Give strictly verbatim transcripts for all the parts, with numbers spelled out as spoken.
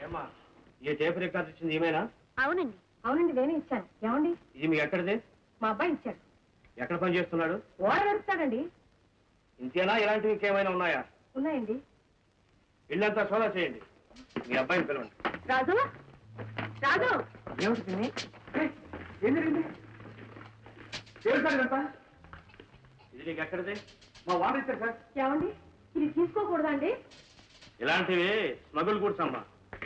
ఏమ్మా ఈ tape record ఇచ్చింది ఏమైనా? అవునండి అవునండి నేనే ఇచ్చాను. ఏమండి ఇది మీ ఎక్కడిది? మా అబ్బాయి ఇచ్చాడు. ఎక్కడ పని చేస్తున్నాడు? ఓడ నడుస్తాడండి. ఇంతేనా, ఇలాంటివి ఇంకేమైనా ఉన్నాయా? ఉన్నాయండి. ఇల్లంతా సోదా చేయండి. మీ అబ్బాయిని పిలవండి. రాజు రాజు ఏమిటి ఏం జరిగింది? ఇదంతా ఇది నీకు ఎక్కడిది? మా వాడు ఇచ్చారు సార్. ఏమండి ఇది తీసుకోకూడదా అండి? ఇలాంటివి స్మగుల్ గూడ్స్ అమ్మా.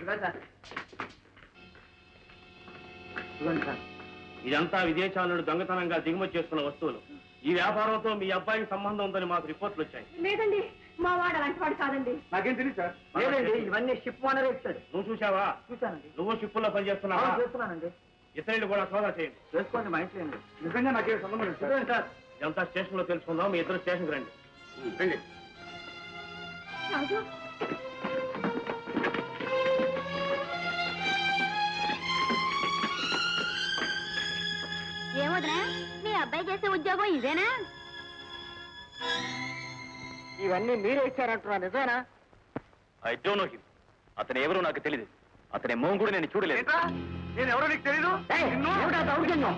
ఇదంతా విదేశాల నుండి దొంగతనంగా దిగుమతి చేస్తున్న వస్తువులు. ఈ వ్యాపారంతో మీ అబ్బాయికి సంబంధం ఉందని మాకు రిపోర్ట్లు వచ్చాయి. లేదండి మా వాడు అలాంటి వాడు కాదండి. నాకేం తెలియదు సార్. లేదండి ఇవన్నీ షిప్ ఓనర్ ఇస్తాడు. నువ్వు చూసావా? చూశానండి. నువ్వు షిప్పుల్లో పని చేస్తున్నావా? చేస్తున్నానండి. ఇతరులు కూడా సోదా చేయండి. చేసుకోండి మా ఇంట్లో అండి. నిజంగా నాకేం సంబంధం లేదు సార్. సార్ ఇదంతా స్టేషన్ లో తెలుసుకుందాం. మీ ఇద్దరు స్టేషన్కి రండి. రండి. రాజు ఏమోదనా మీ అబ్బాయి చేసే ఉద్యోగం ఇదేనా? ఇవన్నీ మీరే ఇచ్చారంటున్నా నిజమేనా? I don't know him. అతను ఎవరో నాకు తెలియదు. అతని మొహం కూడా నేను చూడలేదు. నేను ఎవరో నీకు తెలీదు? దౌర్జన్యం.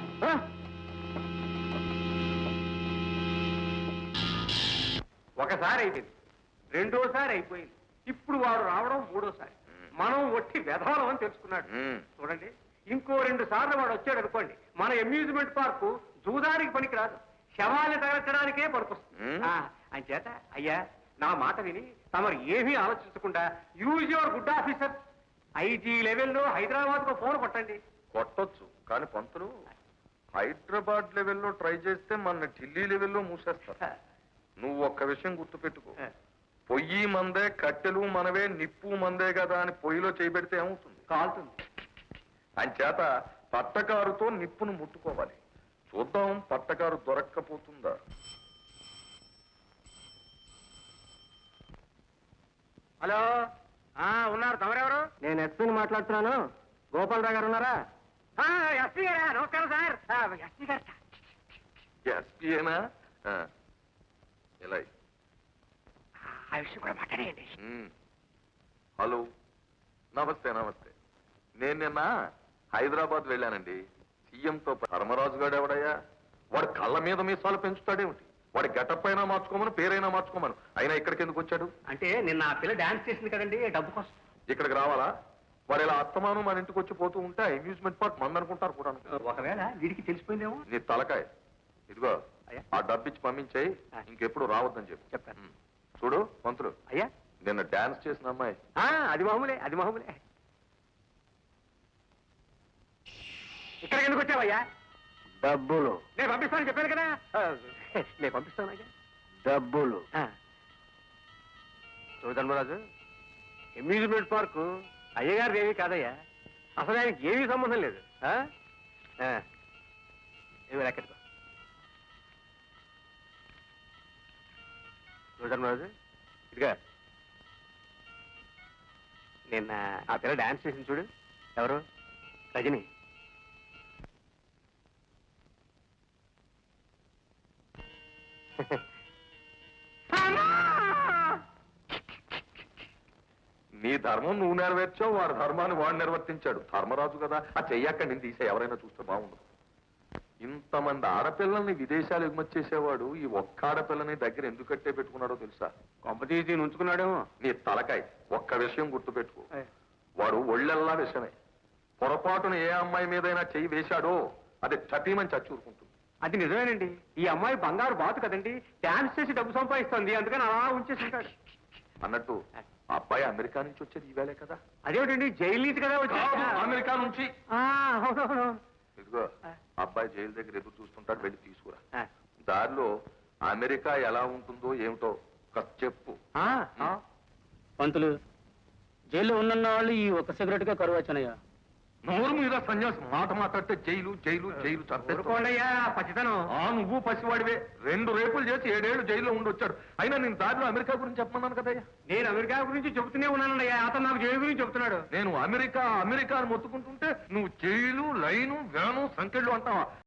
ఒకసారి అయిపోయింది, రెండోసారి అయిపోయింది, ఇప్పుడు వాడు రావడం మూడోసారి. మనం ఒట్టి వెధవలం అని తెలుసుకున్నాడు. చూడండి, ఇంకో రెండు సార్లు వాడు వచ్చాడు అనుకోండి, మన అమ్యూజ్మెంట్ పార్కు జూదానికి పనికిరాదు, శవాన్ని తగలచడానికే పనికొస్తుంది. అంచేత అయ్యా నా మాట విని తమరు ఏమీ ఆలోచించకుండా use your good officer IG లెవెల్లో హైదరాబాద్ కు ఫోన్ కొట్టండి. కొట్టొచ్చు, కానీ పంతులు హైదరాబాద్ లెవెల్లో ట్రై చేస్తే మన ఢిల్లీ లెవెల్లో మూసేస్తారు. నువ్వు ఒక్క విషయం గుర్తుపెట్టుకో, పొయ్యి మందే, కట్టెలు మనవే, నిప్పు మందే కదా అని పొయ్యిలో చేయబెడితే ఏమవుతుంది? కాలుతుంది. అంచేత పట్టకారుతో నిప్పును ముట్టుకోవాలి. చూద్దాం పట్టకారు దొరక్కపోతుందా. హలో, ఉన్నారు, తమరెవరు? నేను ఎస్పీని మాట్లాడుతున్నాను. గోపాలరావు గారు ఉన్నారా? ఎస్పీ గారా? నమస్కారం సార్. ఎస్పీ గారు ఎస్పీఏనా? ఎలా? ఆ విషయం కూడా మాట్లాడేయండి. హలో, నమస్తే నమస్తే. నేను నిన్న హైదరాబాద్ వెళ్ళానండి. సీఎంతో. ధర్మరాజు గారు ఎవడయ్యా? వాడు కళ్ళ మీద మీసాలు పెంచుతాడేమిటి? వాడి గెటప్ అయినా మార్చుకోమను, పేరైనా మార్చుకోమను. అయినా ఇక్కడికి ఎందుకు వచ్చాడు? అంటే నిన్న ఆ పిల్ల డాన్స్ చేసింది కదండి, డబ్బు కోసం. ఇక్కడికి రావాలా? వాడు ఇలా అత్తమానం మన ఇంటికి వచ్చి పోతూ ఉంటే అమ్యూజ్మెంట్ పార్క్ మందనుకుంటారు కూడా. ఒకవేళ వీడికి తెలిసిపోయిందేమో. నీ తలకాయ ఇదిగో, ఆ డబ్బిచ్చి పంపించాయి, ఇంకెప్పుడు రావద్దని చెప్పి చెప్తాను. చూడు మంత్రులు, అయ్యా నిన్న డాన్స్ చేసిన అమ్మాయి. అది మామూలే, అది మామూలే. ఇక్కడికి ఎందుకు వచ్చావయ్యా? డబ్బులు. నేను పంపిస్తానని చెప్పాను కదా. నేను పంపిస్తాను అయ్యా. డబ్బులు. ధర్మరాజు, అమ్యూజ్మెంట్ పార్కు అయ్యగారు ఏమీ కాదయ్యా. అసలు ఆయనకి ఏమీ సంబంధం లేదు. ఏమి ఎక్కడికో ధర్మరాజు, ఇదిగా నిన్న ఆ పిల్ల డాన్స్ చేసింది చూడు. ఎవరు? రజని. నీ ధర్మం నువ్వు నెరవేర్చావు, వాడి ధర్మాన్ని వాడు నిర్వర్తించాడు. ధర్మరాజు కదా, ఆ చెయ్యక్క నేను తీసే ఎవరైనా చూస్తే బాగుండదు. ఇంతమంది ఆడపిల్లల్ని విదేశాలు ఎగుమతి చేసేవాడు ఈ ఒక్క ఆడపిల్లని దగ్గర ఎందుకు కట్టే పెట్టుకున్నాడో తెలుసా? కొంపతీసి ఉంచుకున్నాడేమో. నీ తలకాయ ఒక్క విషయం గుర్తుపెట్టుకో, వాడు ఒళ్ళెల్లా విషమే. పొరపాటున ఏ అమ్మాయి మీదైనా చెయ్యి వేశాడో అది చటీమని చచ్చూరుకుంటుంది. అది నిజమేనండి. ఈ అమ్మాయి బంగారు బాతు కదండి, డాన్స్ చేసి డబ్బు సంపాదిస్తోంది, అందుకని అలా ఉంచేసి ఉంటాడు. అన్నట్టు ఆ అబ్బాయి అమెరికా నుంచి వచ్చేది ఈవేళే కదా? అదేమిటండి, జైలు నుంచి కదా వచ్చి. అమెరికా నుంచి. అవునవును. ఇదిగో అబ్బాయి జైలు దగ్గర ఎదురు చూస్తుంటాడు, వెళ్ళి తీసుకురా. దారిలో అమెరికా ఎలా ఉంటుందో ఏమిటో చెప్పు. పంతులు, జైల్లో ఉన్న వాళ్ళు ఈ ఒక్క సిగరెట్ గా కరువు వచ్చానయ్యా. నోరు మీద సన్యాసి మాట మాట్లాడితే జైలు జైలు జైలు చంపేసుకోండియా పచ్చితనం. ఆ నువ్వు పసివాడివే. రెండు రేపులు చేసి ఏడేళ్లు జైల్లో ఉండొచ్చాడు. అయినా నేను దారిలో అమెరికా గురించి చెప్పమన్నాను కదయ్యా. నేను అమెరికా గురించి చెబుతూనే ఉన్నానయ్యా, అతను నాకు జైలు గురించి చెబుతున్నాడు. నేను అమెరికా అమెరికా అని మొత్తుకుంటుంటే నువ్వు జైలు, లైను, వ్యాను, సంకెళ్ళు అంటావా?